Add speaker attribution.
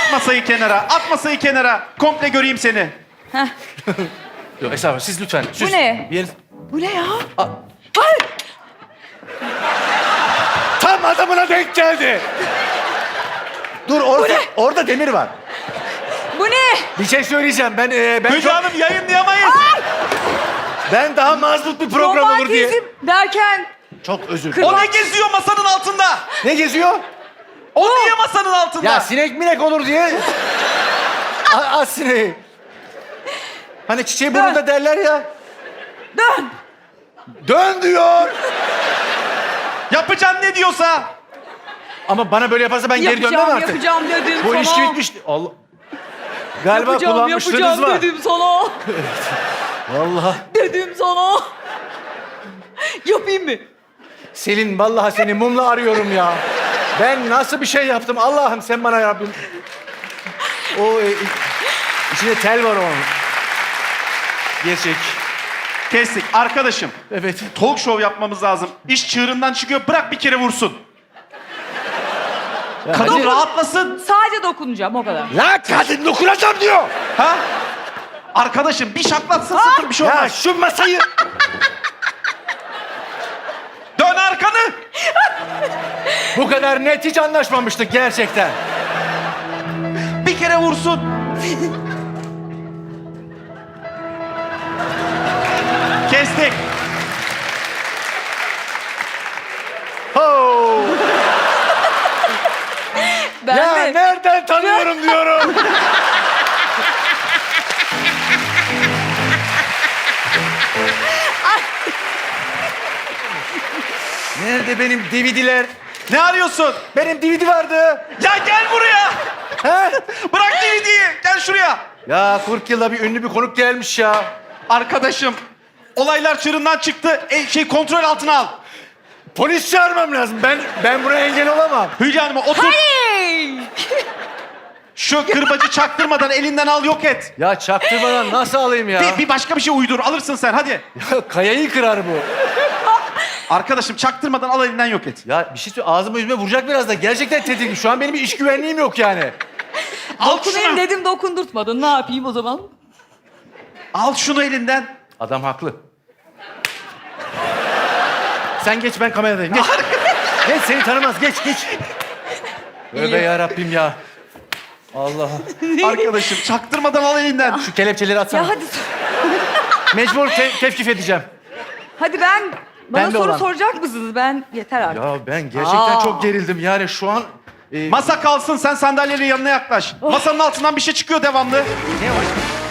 Speaker 1: At masayı kenara, at masayı kenara. Komple göreyim seni.
Speaker 2: Heh.
Speaker 3: Yok estağfurullah siz lütfen. Siz,
Speaker 2: ne?
Speaker 3: bir yeriniz-
Speaker 2: Bu ne ya?
Speaker 3: Aa.
Speaker 2: Ay!
Speaker 3: Tam adamına denk geldi. Dur orada demir var.
Speaker 2: Bu ne?
Speaker 3: Bir şey söyleyeceğim. Ben
Speaker 1: Müge
Speaker 3: çok,
Speaker 1: Hanım yayınlayamayız.
Speaker 3: ben daha mazbut bir program olur diye.
Speaker 2: Romantizm derken
Speaker 3: Çok özür dilerim.
Speaker 1: O ne geziyor masanın altında?
Speaker 3: Ne geziyor?
Speaker 1: O niye masanın altında?
Speaker 3: Ya sinek minek olur diye. Az sineği. Hani çiçeği burnunda derler ya.
Speaker 2: dön.
Speaker 3: Dön diyor.
Speaker 1: Yapacağım ne diyorsa.
Speaker 3: Ama bana böyle yaparsa ben geri dönmem artık.
Speaker 2: Yapacağım dedim
Speaker 3: Bu
Speaker 2: sana.
Speaker 3: ilişki bitmiş. Allah. Galiba kullanmışlığınız var.
Speaker 2: Dedim sana.
Speaker 3: Vallahi.
Speaker 2: Dedim sana. Yapayım mı?
Speaker 3: Selin vallahi seni mumla arıyorum ya. Ben nasıl bir şey yaptım Allah'ım sen bana Rabbim. O içinde tel var onun. Gerçek.
Speaker 1: Kestik. Arkadaşım,
Speaker 3: Evet.
Speaker 1: talk show yapmamız lazım. İş çığırından çıkıyor. Bırak bir kere vursun.
Speaker 3: Ya
Speaker 1: Kadın
Speaker 3: hadi.
Speaker 1: rahatlasın.
Speaker 2: Sadece dokunacağım o kadar.
Speaker 3: La kadın dokunacağım diyor.
Speaker 1: Ha? Arkadaşım bir şaklatsın sıfır bir şey
Speaker 3: Ya
Speaker 1: olmaz.
Speaker 3: şu masayı.
Speaker 1: Dön arkanı.
Speaker 3: Bu kadar net hiç anlaşmamıştık gerçekten.
Speaker 1: Bir kere vursun. Kestik.
Speaker 3: Ho.
Speaker 2: Ben
Speaker 3: Ya
Speaker 2: de.
Speaker 3: nereden tanıyorum diyorum. Nerede benim DVD'ler?
Speaker 1: Ne arıyorsun?
Speaker 3: Benim DVD vardı.
Speaker 1: Ya gel buraya.
Speaker 3: He?
Speaker 1: Bırak DVD'yi. Gel şuraya.
Speaker 3: Ya 40 yılda bir ünlü bir konuk gelmiş ya.
Speaker 1: Arkadaşım, olaylar çığırından çıktı. Kontrol altına al.
Speaker 3: Polis çağırmam lazım. Ben buna engel olamam.
Speaker 1: Hülya Hanım'a otur.
Speaker 2: Hey!
Speaker 1: Şu kırbacı çaktırmadan elinden al, yok et.
Speaker 3: Ya çaktırmadan nasıl alayım ya?
Speaker 1: Bir başka bir şey uydur. Alırsın sen hadi.
Speaker 3: Ya kayayı kırar bu.
Speaker 1: Arkadaşım çaktırmadan al, elinden yok et.
Speaker 3: Ya bir şey söyle ağzıma yüzüme vuracak biraz da. Gerçekten tedirgin. Şu an benim bir iş güvenliğim yok yani.
Speaker 1: Al
Speaker 2: Dokunayım
Speaker 1: şunu.
Speaker 2: dedim dokundurtmadın. Ne yapayım o zaman?
Speaker 1: Al şunu elinden.
Speaker 3: Adam haklı. Sen geç ben kameradayım. Geç. Geç seni tanımaz. Geç. Tövbe yarabbim ya. Allah.
Speaker 1: Arkadaşım çaktırmadan al elinden.
Speaker 3: Şu kelepçeleri atsana.
Speaker 2: Ya hadi.
Speaker 3: Mecbur tevkif edeceğim.
Speaker 2: Hadi bana
Speaker 3: Ben de
Speaker 2: soru
Speaker 3: olan.
Speaker 2: soracak mısınız? Ben yeter artık.
Speaker 3: Ya ben gerçekten
Speaker 2: Aa.
Speaker 3: çok gerildim. Yani şu an...
Speaker 1: Masa kalsın, sen sandalyenin yanına yaklaş. Masanın altından bir şey çıkıyor devamlı.
Speaker 3: Ne var?